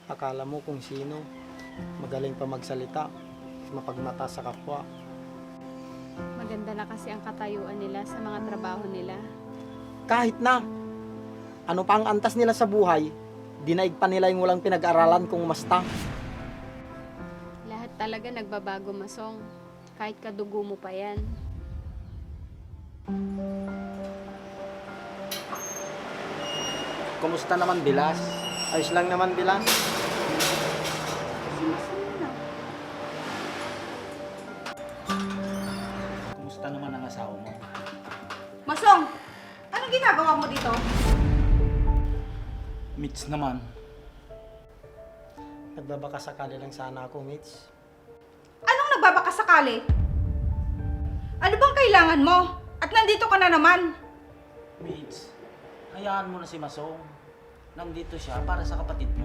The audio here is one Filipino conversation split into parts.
Akala mo kung sino, magaling pa magsalita, mapagmata sa kapwa. Maganda na kasi ang katayuan nila sa mga trabaho nila. Kahit na, ano pa ang antas nila sa buhay, dinaig pa nila yung walang pinag-aralan kung masta. Lahat talaga nagbabago, Masong. Kahit kadugo mo pa yan. Kumusta naman, Bilas? Ayos lang naman, Bilas. Kumusta naman ang asawa mo? Masong, anong ginagawa mo dito? Mitch naman. Nagbabaka sakali lang sana ako, Mitch. Anong nagbabakasakali? Ano bang kailangan mo? At nandito ka na naman. Mitch, hayaan mo na si Masong. Nandito siya para sa kapatid mo.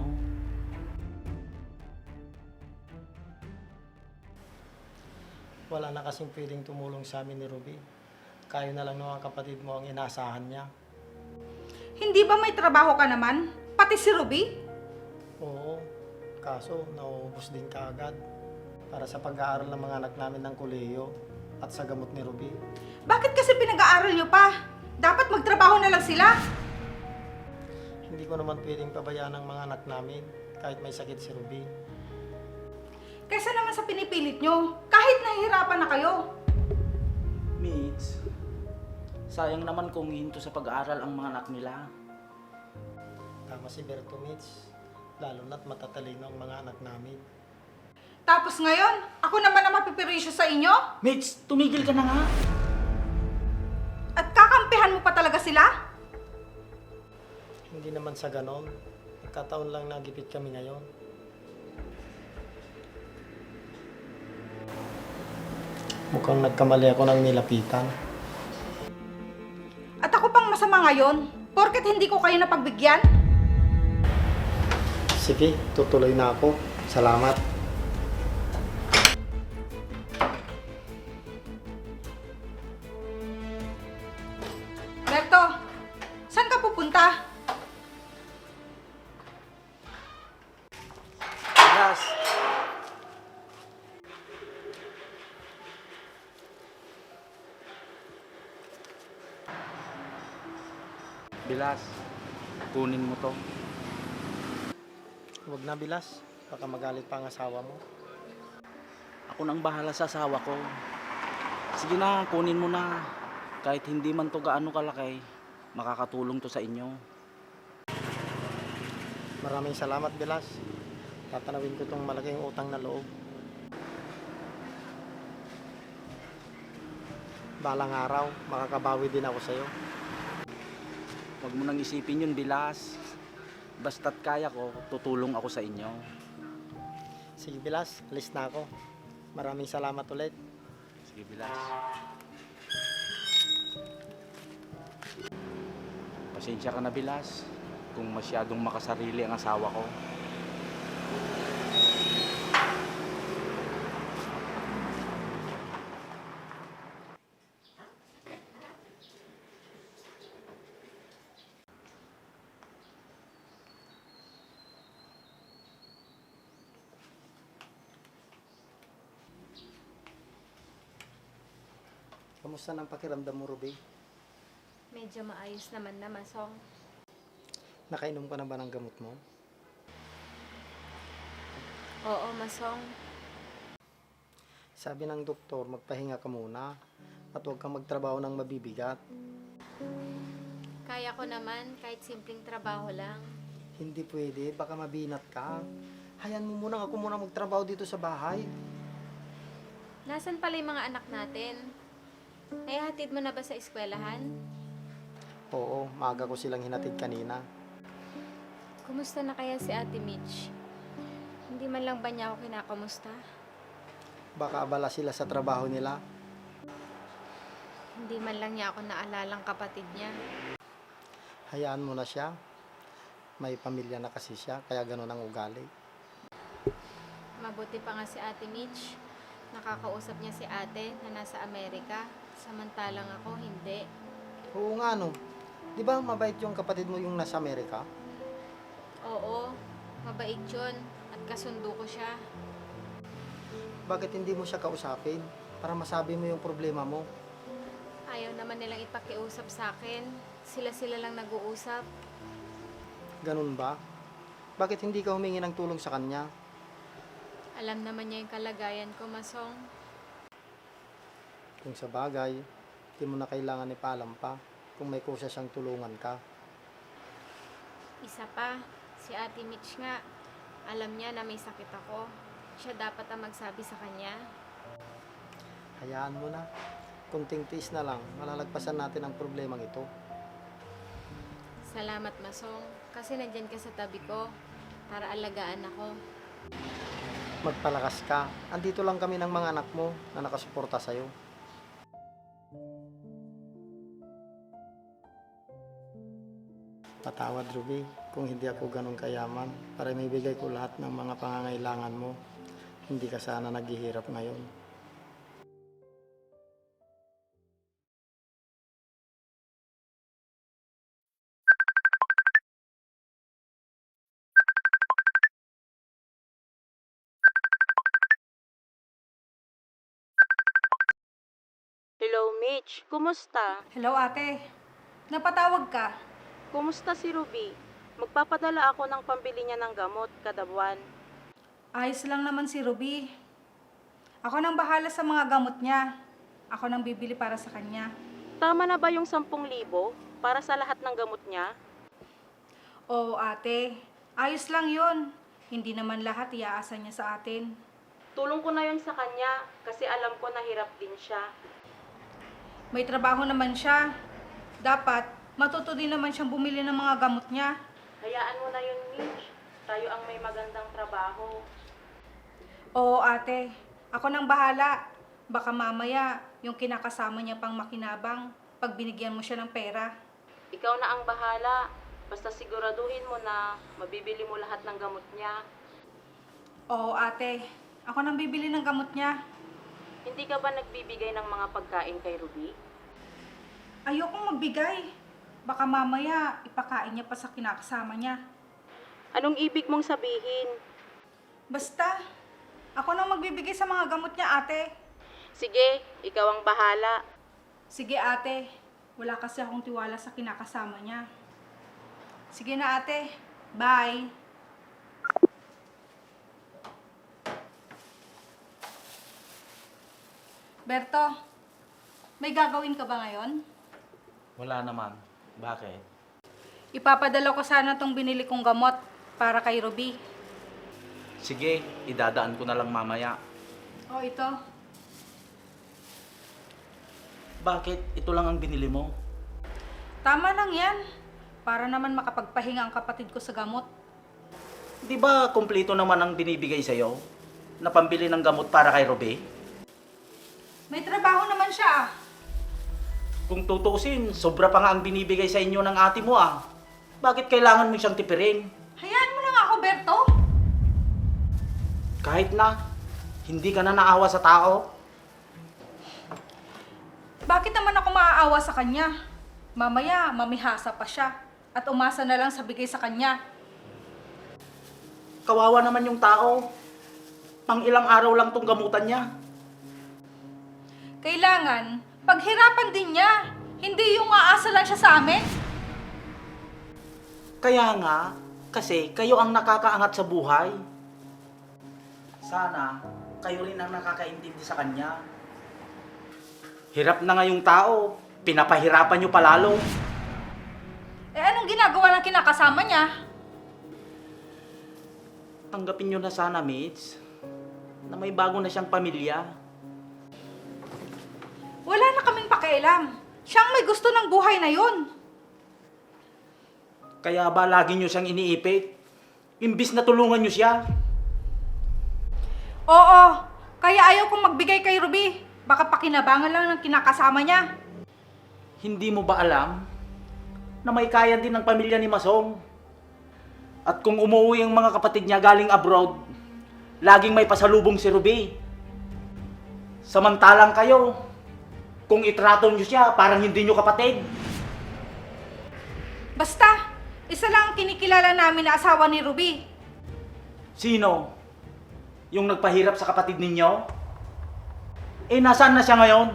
Wala na kasing pwedeng tumulong sa amin ni Ruby. Kayo na lang ng mga kapatid mo ang inaasahan niya. Hindi ba may trabaho ka naman? Pati si Ruby? Oo, kaso nauubos din kaagad para sa pag-aaral ng mga anak namin ng kolehiyo at sa gamot ni Ruby. Bakit kasi pinag-aaral nyo pa? Dapat magtrabaho na lang sila. Hindi ko naman pwedeng pabayaan ang mga anak namin kahit may sakit si Ruby. Kaysa naman sa pinipilit nyo, kahit nahihirapan na kayo. Mitch, sayang naman kung hinto sa pag-aaral ang mga anak nila. Tama si Berto, Mitch. Lalo na't matatalino ang mga anak namin. Tapos ngayon, ako naman ang mapipirisyo sa inyo? Mitch, tumigil ka na nga. At kakampihan mo pa talaga sila? Hindi naman sa ganon. Nagkataon lang na gipit kami ngayon. Mukhang nagkamali ako ng nilapitan. At ako pang masama ngayon, porket hindi ko kayo napagbigyan? Sige, tutuloy na ako. Salamat. Berto, saan ka pupunta? Bilas, Bilas, kunin mo to. Huwag na, Bilas. Baka magalit pa ang asawa mo. Ako nang bahala sa asawa ko. Sige na, kunin mo na. Kahit hindi man to gaano kalaki, makakatulong to sa inyo. Maraming salamat, Bilas. Tatanawin ko itong malaking utang na loob. Balang araw, makakabawi din ako sa'yo. Huwag mo nang isipin yun, Bilas. Basta't kaya ko, tutulong ako sa inyo. Sige, Bilas. Alis na ako. Maraming salamat ulit. Sige, Bilas. Pasensya ka na, Bilas, kung masyadong makasarili ang asawa ko. Kamusta ng pakiramdam mo, Ruby? Medyo maayos naman na, Masong. Nakainom ka na ba ng gamot mo? Oo, Masong. Sabi ng doktor, magpahinga ka muna at huwag kang magtrabaho ng mabibigat. Kaya ko naman kahit simpleng trabaho lang. Hindi pwede, baka mabinat ka. Hayaan mo muna ako muna magtrabaho dito sa bahay. Nasaan pala yung mga anak natin? Ay, hatid mo na ba sa eskwelahan? Oo, maaga ko silang hinatid kanina. Kumusta na kaya si Ate Mitch? Hindi man lang ba niya ako kinakamusta? Baka abala sila sa trabaho nila. Hindi man lang niya ako naalalang kapatid niya. Hayaan mo na siya. May pamilya na kasi siya, kaya ganun ang ugali. Mabuti pa nga si Ate Mitch. Nakakausap niya si ate na nasa Amerika. Samantalang ako, hindi. Oo nga no. Di ba mabait yung kapatid mo yung nasa Amerika? Oo, Mabait yun at kasundo ko siya. Bakit hindi mo siya kausapin para masabi mo yung problema mo? Ayaw naman nilang ipakiusap sa akin. Sila-sila lang nag-uusap. Ganun ba? Bakit hindi ka humingi ng tulong sa kanya? Alam naman niya yung kalagayan ko, Masong. Kung sa bagay, di mo na kailangan ipaalam pa kung may kusa siyang tulungan ka. Isa pa, si Ate Mitch nga. Alam niya na may sakit ako. Siya dapat ang magsabi sa kanya. Hayaan mo na. Kunting tiis na lang, malalagpasan natin ang problemang ito. Salamat, Masong. Kasi nandyan ka sa tabi ko para alagaan ako. Magpalakas ka. Andito lang kami ng mga anak mo na nakasuporta sa'yo. Patawad, Ruby, kung hindi ako ganun kayaman para may bigay ko lahat ng mga pangangailangan mo. Hindi ka sana naghihirap ngayon. Hello, Mitch. Kumusta? Hello ate. Napatawag ka? Kumusta si Ruby? Magpapadala ako ng pambili niya ng gamot kada buwan. Ayos lang naman si Ruby. Ako nang bahala sa mga gamot niya. Ako nang bibili para sa kanya. Tama na ba yung 10,000 para sa lahat ng gamot niya? Oo ate, ayos lang yun. Hindi naman lahat iaasa niya sa atin. Tulong ko na yun sa kanya kasi alam ko na hirap din siya. May trabaho naman siya. Dapat matuto din naman siyang bumili ng mga gamot niya. Hayaan mo na yun, Mitch. Tayo ang may magandang trabaho. Oo ate, ako nang bahala. Baka mamaya yung kinakasama niya pang makinabang pag binigyan mo siya ng pera. Ikaw na ang bahala. Basta siguraduhin mo na mabibili mo lahat ng gamot niya. Oo ate, ako nang bibili ng gamot niya. Hindi ka ba nagbibigay ng mga pagkain kay Ruby? Ayokong magbigay. Baka mamaya ipakain niya pa sa kinakasama niya. Anong ibig mong sabihin? Basta, ako nang magbibigay sa mga gamot niya ate. Sige, ikaw ang bahala. Sige ate, wala kasi akong tiwala sa kinakasama niya. Sige na ate, bye. Berto, may gagawin ka ba ngayon? Wala naman. Bakit? Ipapadala ko sana tong binili kong gamot para kay Ruby. Sige, idadaan ko na lang mamaya. O ito, Bakit? Ito lang ang binili mo. tama lang yan. Para naman makapagpahinga ang kapatid ko sa gamot. Di ba kumpleto naman ang binibigay sa'yo? Na pambili ng gamot para kay Ruby? May trabaho naman siya ah. Kung tutuusin, sobra pa nga ang binibigay sa inyo ng ate mo ah. Bakit kailangan mo siyang tipirin? Hayaan mo lang ako, Berto. Kahit na, hindi ka na naawa sa tao. Bakit naman ako maaawa sa kanya? Mamaya, mamihasa pa siya. At umasa na lang sa bigay sa kanya. Kawawa naman yung tao. Pang ilang araw lang tong gamutan niya. Kailangan, paghirapan din niya. Hindi yung aasa lang siya sa amin. Kaya nga, kasi kayo ang nakakaangat sa buhay. Sana, kayo rin ang nakakaintindi sa kanya. Hirap na nga yung tao, pinapahirapan nyo palalo. Eh anong ginagawa ng kinakasama niya? Tanggapin nyo na sana, mates, na may bago na siyang pamilya. Wala na kaming pakialam. Siyang may gusto ng buhay na yun. Kaya ba lagi nyo siyang iniipit? Imbis na tulungan nyo siya. Oo, kaya ayaw kong magbigay kay Ruby. Baka pakinabangan lang ng kinakasama niya. Hindi mo ba alam na may kaya din ng pamilya ni Masong? At kung umuwi ang mga kapatid niya galing abroad, laging may pasalubong si Ruby. Samantalang kayo, kung itrato niyo siya, parang hindi niyo kapatid. Basta, isa lang ang kinikilala namin na asawa ni Ruby. Sino? Yung nagpahirap sa kapatid ninyo? Eh, nasaan na siya ngayon?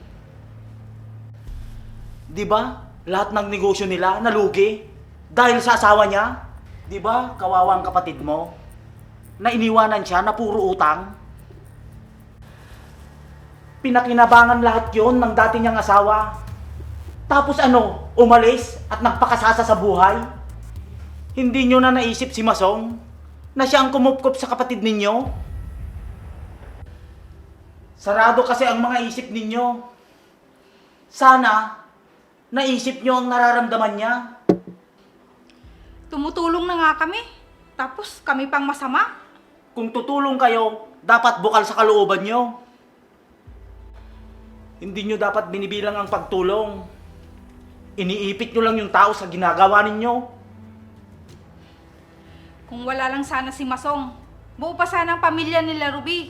Di ba? Lahat ng negosyo nila nalugi dahil sa asawa niya. Di ba? Kawawa ang kapatid mo. Na iniwanan siya na puro utang. Pinakinabangan lahat yon ng dati niyang asawa. Tapos ano, umalis at nagpakasasa sa buhay? Hindi nyo na naisip si Masong na siya ang kumupkop sa kapatid ninyo? Sarado kasi ang mga isip ninyo. Sana, naisip nyo ang nararamdaman niya. Tumutulong na nga kami. Tapos kami pang masama. Kung tutulong kayo, dapat bukal sa kalooban nyo. Hindi nyo dapat binibilang ang pagtulong. Iniipit nyo lang yung tao sa ginagawa ninyo. Kung wala lang sana si Masong, buo pa sana ang pamilya nila Ruby.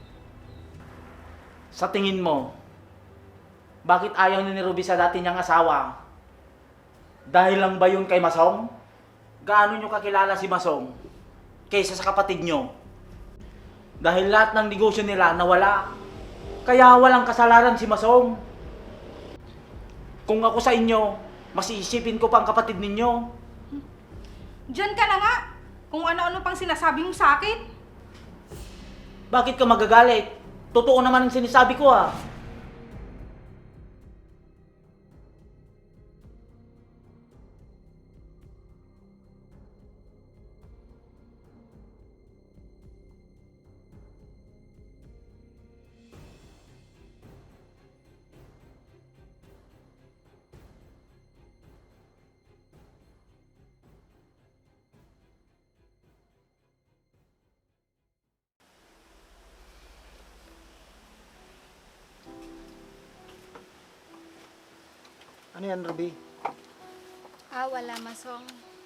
Sa tingin mo, bakit ayaw ni Ruby sa dati niyang asawa? Dahil lang ba yun kay Masong? Gaano nyo kakilala si Masong kaysa sa kapatid nyo? Dahil lahat ng negosyo nila nawala. Kaya walang kasalanan si Masong. Kung ako sa inyo, mas iisipin ko pa ang kapatid ninyo. Diyan ka na nga. Kung ano-ano pang sinasabi mo sa akin. Bakit ka magagalit? Totoo naman ang sinasabi ko ah. Ano yan, Ruby? Wala, Masong.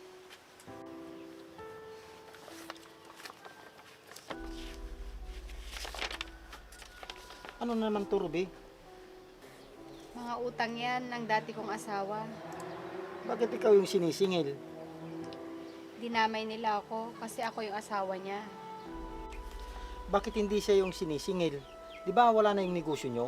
Ano naman to, Ruby? Mga utang yan ng dati kong asawa. Bakit ikaw yung sinisingil? Dinamay nila ako kasi ako yung asawa niya. Bakit hindi siya yung sinisingil? Di ba wala na yung negosyo nyo?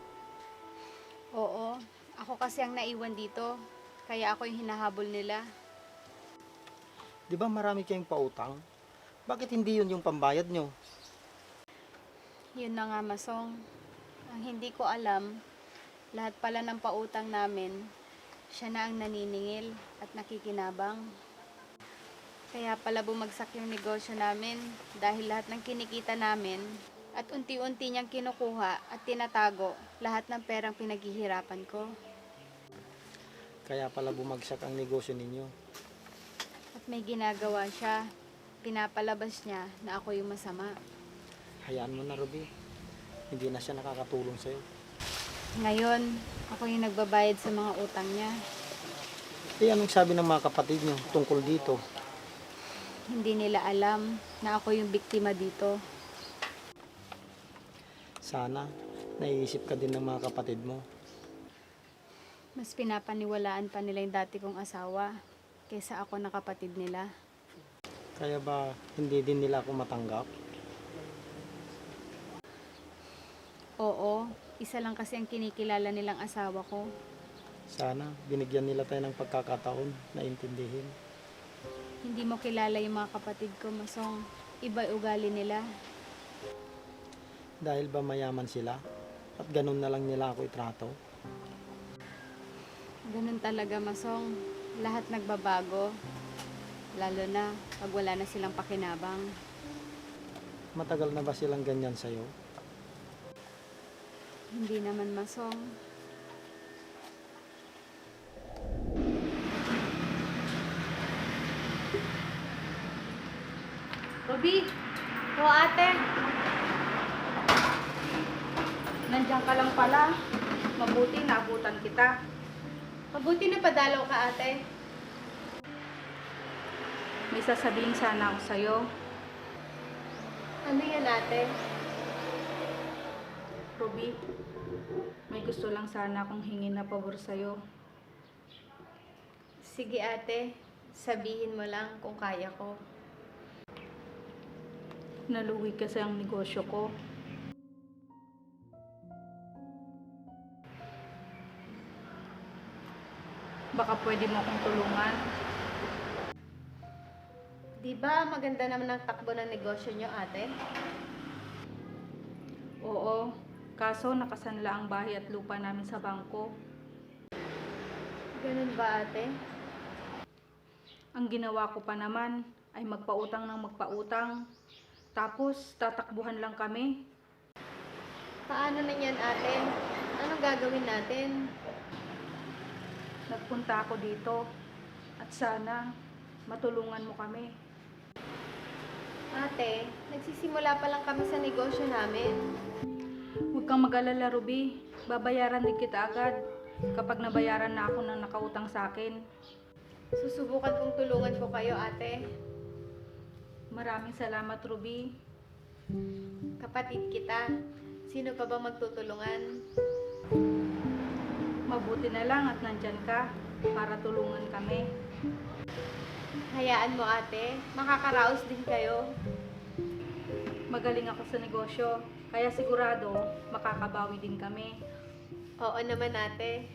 Oo, ako kasi ang naiwan dito. Kaya ako yung hinahabol nila. Di ba marami kayong pautang? Bakit hindi yun yung pambayad nyo? Yun na nga, Masong. Ang hindi ko alam, lahat pala ng pautang namin, siya na ang naniningil at nakikinabang. Kaya pala bumagsak yung negosyo namin dahil lahat ng kinikita namin at unti-unti niyang kinukuha at tinatago lahat ng perang pinaghihirapan ko. Kaya pala bumagsak ang negosyo ninyo. At may ginagawa siya, pinapalabas niya na ako yung masama. Hayaan mo na, Ruby. Hindi na siya nakakatulong sa'yo. Ngayon, ako yung nagbabayad sa mga utang niya. Eh, anong sabi ng mga kapatid nyo tungkol dito? Hindi nila alam na ako yung biktima dito. Sana, naiisip ka din ng mga kapatid mo. Mas pinapaniwalaan pa nila yung dati kong asawa kaysa ako na kapatid nila. Kaya ba hindi din nila ako matanggap? Oo, isa lang kasi ang kinikilala nilang asawa ko. Sana, binigyan nila tayo ng pagkakataon na intindihin. Hindi mo kilala yung mga kapatid ko, Masong. Iba ugali nila. Dahil ba mayaman sila? At ganun na lang nila ako itrato? Ganun talaga, Masong. Lahat nagbabago. Lalo na pag wala na silang pakinabang. Matagal na ba silang ganyan sa'yo? Hindi naman, Masong. Ruby, Oo, ate. nandiyan ka lang pala. Mabuti naabutan kita. Mabuti na padalaw ka, ate. May sasabihin sana ako sa'yo. Ano yan, ate? Ruby, may gusto lang sana akong hingin na pabor sa'yo. Sige, ate. Sabihin mo lang kung kaya ko. Naluwi kasi ang negosyo ko. Baka pwede mo akong tulungan. Di ba maganda naman ang takbo ng negosyo nyo, ate? Oo, kaso nakasanla ang bahay at lupa namin sa bangko. Ganun ba, ate? Ang ginawa ko pa naman ay magpautang ng magpautang. Tapos tatakbuhan lang kami. Paano na yan, ate? Anong gagawin natin? Nagpunta ako dito at sana matulungan mo kami. Ate, nagsisimula pa lang kami sa negosyo namin. Huwag kang mag-alala, Ruby. Babayaran din kita agad kapag nabayaran na ako ng nakautang sa akin. Susubukan kong tulungan ko kayo, ate. Maraming salamat, Ruby. Kapatid kita. Sino pa bang magtutulungan? Mabuti na lang at nandyan ka para tulungan kami. Hayaan mo, ate. Makakaraos din kayo. Magaling ako sa negosyo, kaya sigurado makakabawi din kami. Oo naman, ate.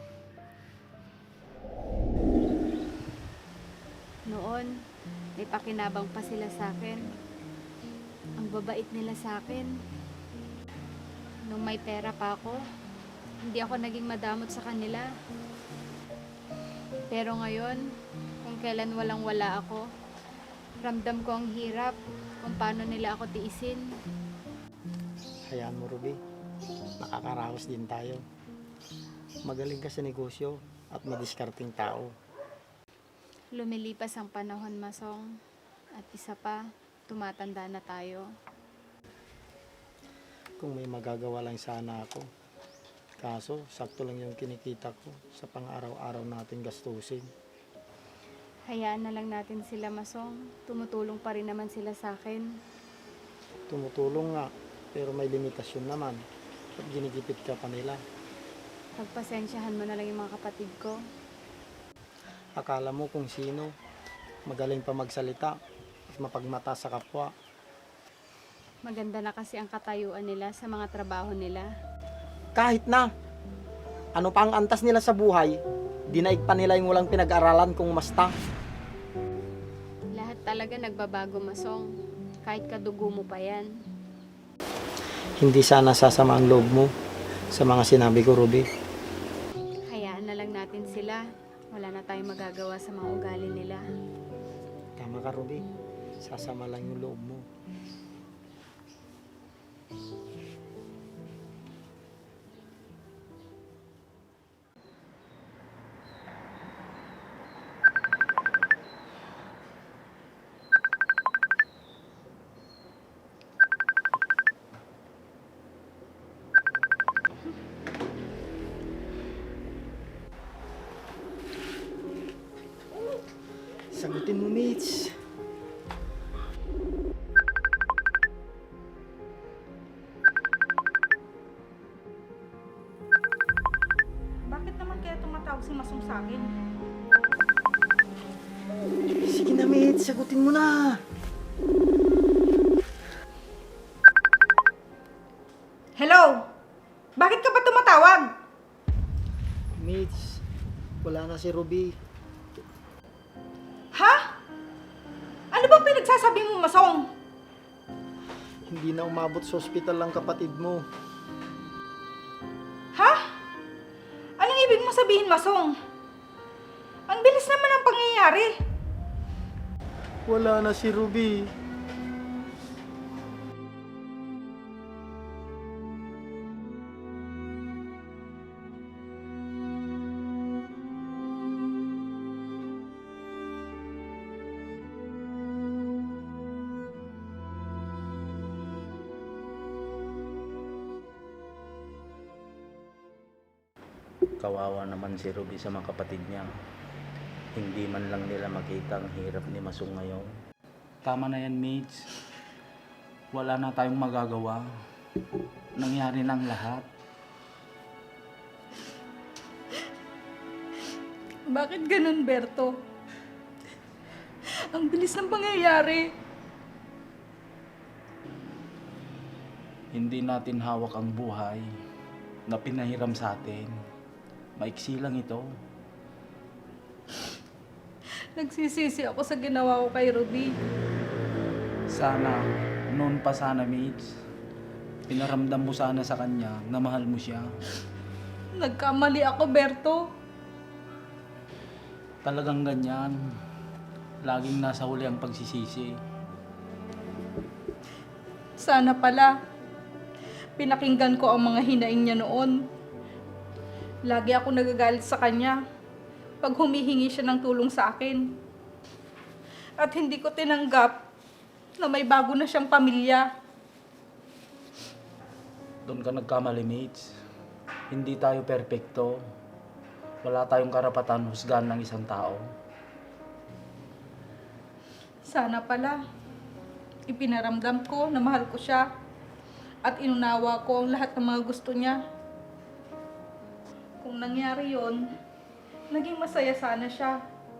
Noon, may pakinabang pa sila sa akin. Ang babait nila sa akin. Nung may pera pa ako, hindi ako naging madamot sa kanila. Pero ngayon, kung kailan walang-wala ako, ramdam ko ang hirap kung paano nila ako tiisin. Hayaan mo, Ruby. Makakaraos din tayo. Magaling ka sa negosyo at madiskarting tao. Lumilipas ang panahon, Masong. At isa pa, tumatanda na tayo. Kung may magagawa lang sana ako. Kaso, sakto lang yung kinikita ko sa pang-araw-araw natin gastusin. Hayaan na lang natin sila, Masong. Tumutulong pa rin naman sila sa akin. Tumutulong nga, pero may limitasyon naman. At ginigipit ka pa nila. Pagpasensyahan mo na lang yung mga kapatid ko. Akala mo kung sino, magaling pa magsalita at mapagmata sa kapwa. Maganda na kasi ang katayuan nila sa mga trabaho nila. Kahit na, ano pa ang antas nila sa buhay, dinaig pa nila yung walang pinag-aralan kung masta. Lahat talaga nagbabago, Masong. Kahit kadugo mo pa yan. Hindi sana sasama ang loob mo sa mga sinabi ko, Ruby. Hayaan na lang natin sila. Wala na tayong magagawa sa mga ugali nila. Tama ka, Ruby. Sasama lang yung loob mo. Sagutin mo, Mitch. Bakit naman kaya tumatawag si Masong sa akin? Sige na, Mitch. Sagutin mo na. Hello? Bakit ka ba tumatawag? Mitch, wala na si Ruby. Ha? Ano bang pinagsasabi mo, Masong? Hindi na umabot sa ospital ang kapatid mo. Ha? Anong ibig mo sabihin, Masong? Ang bilis naman ang pangyayari. Wala na si Ruby. Kawawa naman si Ruby sa mga kapatid niya. Hindi man lang nila makita ang hirap ni Masong ngayon. Tama na yan, Mitch. Wala na tayong magagawa. Nangyari na ang lahat. Bakit ganun, Berto? Ang bilis ng pangyayari. Hindi natin hawak ang buhay na pinahiram sa atin. Maiksi lang ito. Nagsisisi ako sa ginawa ko kay Ruby. Sana, noon pa sana, Mitch. Pinaramdam mo sana sa kanya na mahal mo siya. Nagkamali ako, Berto. Talagang ganyan. Laging nasa huli ang pagsisisi. Sana pala, pinakinggan ko ang mga hinaing niya noon. Lagi ako nagagalit sa kanya pag humihingi siya ng tulong sa akin. At hindi ko tinanggap na may bago na siyang pamilya. Doon ka nagkamali, Mitch. Hindi tayo perpekto. Wala tayong karapatan husgahan ng isang tao. Sana pala, ipinaramdam ko na mahal ko siya at inunawa ko ang lahat ng mga gusto niya. Kung nangyari yon, naging masaya sana siya.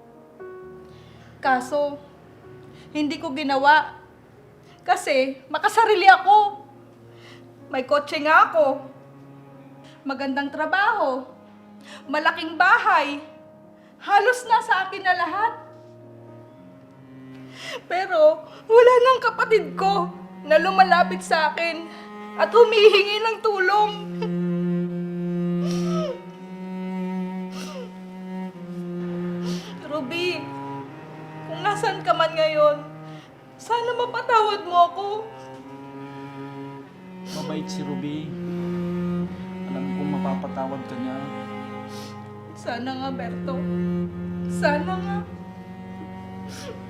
Kaso, hindi ko ginawa kasi makasarili ako. May kotse nga ako. Magandang trabaho. Malaking bahay. Halos nasa akin na lahat. Pero wala nang kapatid ko na lumalapit sa akin at humihingi ng tulong. Ruby, kung nasan ka man ngayon, sana mapatawad mo ako. Mabait si Ruby. Alam kong mapapatawad ka niya. Sana nga, Berto. Sana nga.